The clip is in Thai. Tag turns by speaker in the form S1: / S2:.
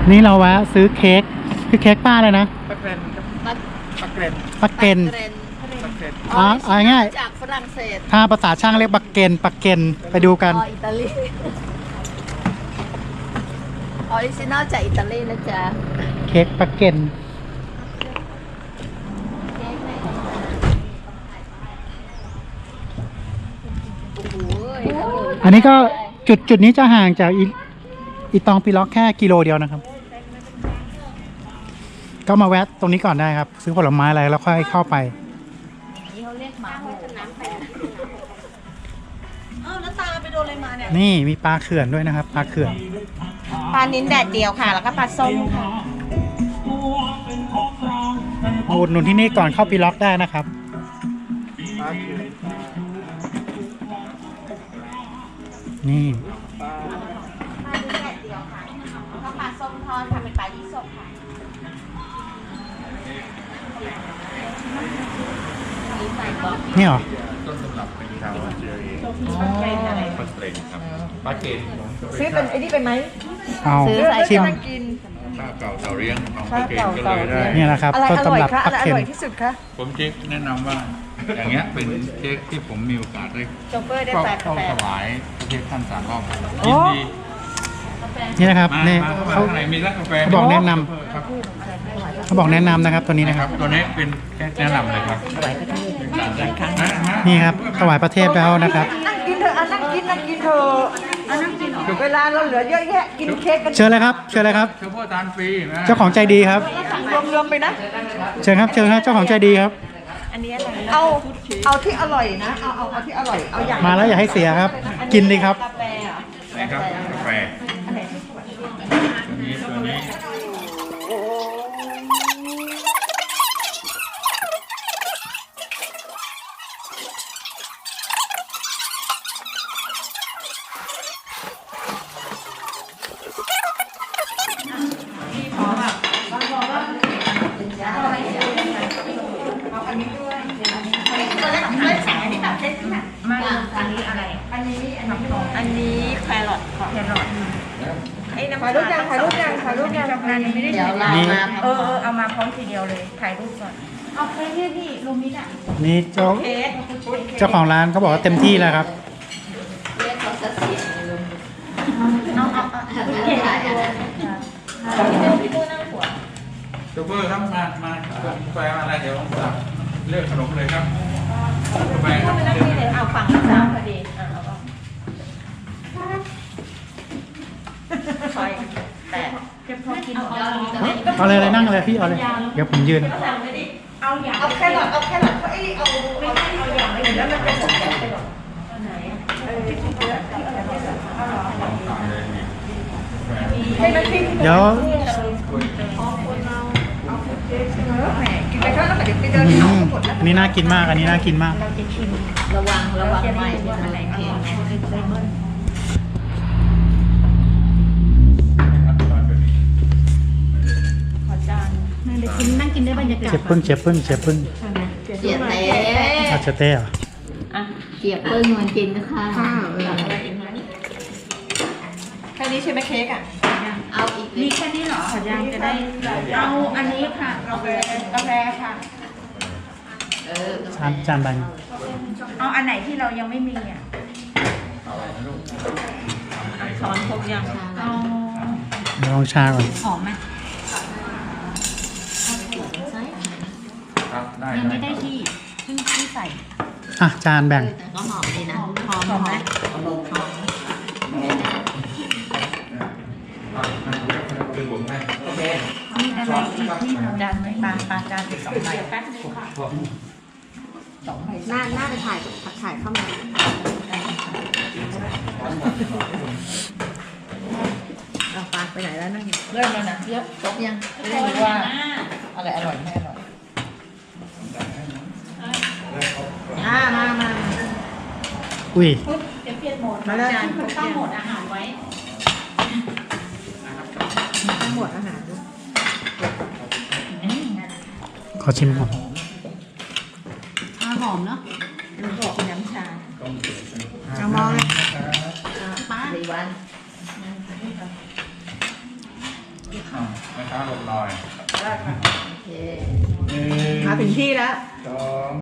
S1: นี่เราแวะซื้อเค้กคือเค้กป้าเลยนะ
S2: ปักเกรนปักเกรน
S1: ปักเกน
S2: ปักเกรน
S1: ง่าย
S3: จากฝรั่งเศส
S1: ถ้าภาษาช่างเรียกปักเกนไปดูกัน
S3: อิตาลีออริจินอลจากอิตาลีนะจ๊ะ
S1: เค้กปักเกนอันนี้ก็จุดนี้จะห่างจากอีตองปีล็อกแค่กิโลเดียวนะครับ ก็มาแวะตรงนี้ก่อนได้ครับ ซื้อผลไม้อะไรแล้วค่อยเข้าไป
S3: นี่เขาเรียกหมาโหน้ำแข็งแล้วตาไปโดนอะไรมาเนี่ย
S1: นี่มีปลาเขื่อนด้วยนะครับปลาเขื่อน
S4: ปลานิ้นแดดเดียวค่ะ แล้วก็ปลาส้มค่ะ
S1: มาอุดหนุนที่นี่ก่อนเข้าปีล็อกได้นะครับ
S2: ปลาเขื่อน
S1: นี่
S4: ปลานิ้นแดดเดียวค่ะแล้วก็ปลาส้มทอดค่ะเป็นปลายี่สกค่ะ
S1: นี่เหรอ
S5: ต้นตำรับเป็นชาวออสเตรเลียปักเกรนครับปักเกรน
S4: ซื้อเป็นไอ้นี่เป็นไหม
S1: เอา
S3: ซื้อใส่
S1: ชิม
S4: กิน
S5: ข้าวเก่าเตาเลี้ยงของปักเกรนก็เลยได้
S1: นี่แหละครับ
S4: อะไร
S1: ต้น
S4: อร่อย
S1: ตำรับ
S4: คะ
S1: ปั
S4: อะ
S1: ก
S4: ไรอ
S1: เข็ม
S4: ร่อยที่สุดคะ
S5: ผมเจ๊กแนะนำว่า อย่างเงี้ยเป็นเค้กที่ผมมีโอกาสได้
S4: โจ๊กเกอร์ได้
S5: เข้า
S4: แปด
S5: เข้า
S4: แป
S5: ถ
S4: ด
S5: วายพระเทพท่านสามรอบ
S4: โอ้
S5: ยินดี
S1: นี่นะครับ
S5: มา
S1: นี่
S5: มาเข้ามา
S1: เขา
S5: ข้างในมีร้านกาแฟ
S1: เขาบอกแนะนำ
S5: ครับ
S1: เขาบอกแนะนำนะครับตัวนี้นะ
S5: นะ
S1: ค
S5: ค
S1: รั
S5: รับ บตัวนี้เป็นแค่แนะนำเลยครับถวายพระเทพนะ
S1: นี่ครับถวายประเทศแล้วนะครับ
S4: นั่งกินเถอะนั่งกินเถอะนั่งกินเวลาเราเหลือเยอะแยะกินเค้กกัน
S1: เชิญเลยครับเชิญเลยครับ
S5: เฉพาะทานฟรีนะ
S1: เจ้าของใจดีครับ
S4: รวมๆไปนะ
S1: เชิญครับเชิญครับเจ้าของใจดีครับ
S4: เอาที่อร่อยนะ เอาที่อร่อย เอาอย่าง
S1: มาแล้วอย่าให้เสียครับ กินดีครับ
S4: กาแฟเหรอ
S5: นะครับกาแฟตัวนี้
S4: อันนี้แครอทค่ะแครอทไอ้น้ำถ่ายรูปยังถ่ายรูปยังถ่ายรูปยังไม่ได้
S3: เดี๋ยวเรามา
S4: เอามาพร้อมทีเดียวเลยถ่ายรูปก่อนเอาไปเนี่ยพี่ลงมิดอ่ะ
S1: นี่เจ้าของร้านเขาบอกว่าเต็มที่แล้วครับ
S3: เรียกเขาจะเสียงเลยลุงถ่ายอะไร
S5: โชเฟอร์ครับมากาแฟอะไรเดี๋ยวผมสั่งเลือกขนมเลยครับกาแฟครับ
S4: เอาฝั่งซ้ายพอดีคอยแต่จะพอกิน
S1: เอาเลยนั่งเลยพี่เอาเลยเดี๋ยวผมยืน
S4: เอาแครอทเขาอย่างอื่นแล้วมันเป็นสมแครอทให้มันพิ้ง
S1: เดี๋ยว
S4: กินไปเท่านั้นเดี๋ยวไปเดิน
S1: อืมอันนี้น่ากินมากอันนี้น่ากินมาก
S3: ระวังไม่อะไรเค้ก
S6: นั่งกินได้บรรยากาศ
S1: เจ็บพึ่ง
S3: เจียบเต้
S1: อาจจะเต้เหรอ
S3: เจียบเปิ้ลนวลกินนะคะ
S4: แค่นี้ใช่ไหมเค้กอ่ะ
S3: เอาอีก
S6: มีแค่นี้เหรอขอยังจะได้ เอาอันนี้ค่ะ
S4: กาแฟค่ะ
S1: จานใบ
S6: เอาอันไหนที่เรายังไม่มีอ่ะ
S4: ช้อนครบยัง
S6: เอา
S1: เดี๋ยวลองชาก่อน
S6: หอมไหม
S5: ครับได้
S6: ยังไม่ได้ที่เพิ่งที่ใส่
S1: อ่ะจานแบ่ง
S3: แต่ก็หอมดีนะ
S6: หอมไหม
S5: คือผมให้
S6: มีอะไรอีกที่เรา
S4: จานไหมปลาจานอีก2 ใบแป๊บนึงค่ะ
S3: น่าจะถ่ายเข้ามา
S4: เอาปลาไปไหนแล้วนั่งเริ่มแล้วนะเยอะ
S3: ครบยัง
S4: จะได้รู้ว่าอะไรอร่อยไม่อร่อย
S3: มา
S1: อุ้ย
S6: เดี๋ยวเปลี่ยนโหมด
S4: มาแล้ว
S6: จานคุณตั้งโหมดอาหารไว้
S4: ทั้งหมดอาหารด้วย
S1: ขอชิมก่อน
S6: หอมเนาะ
S4: มันบอกเป็นน้ำชา
S3: เอามองเลย
S6: ป้า
S3: 4 วัน
S5: แม่ค้าลงหน่อย
S3: โอเค มาถึงที่แล้ว
S2: 2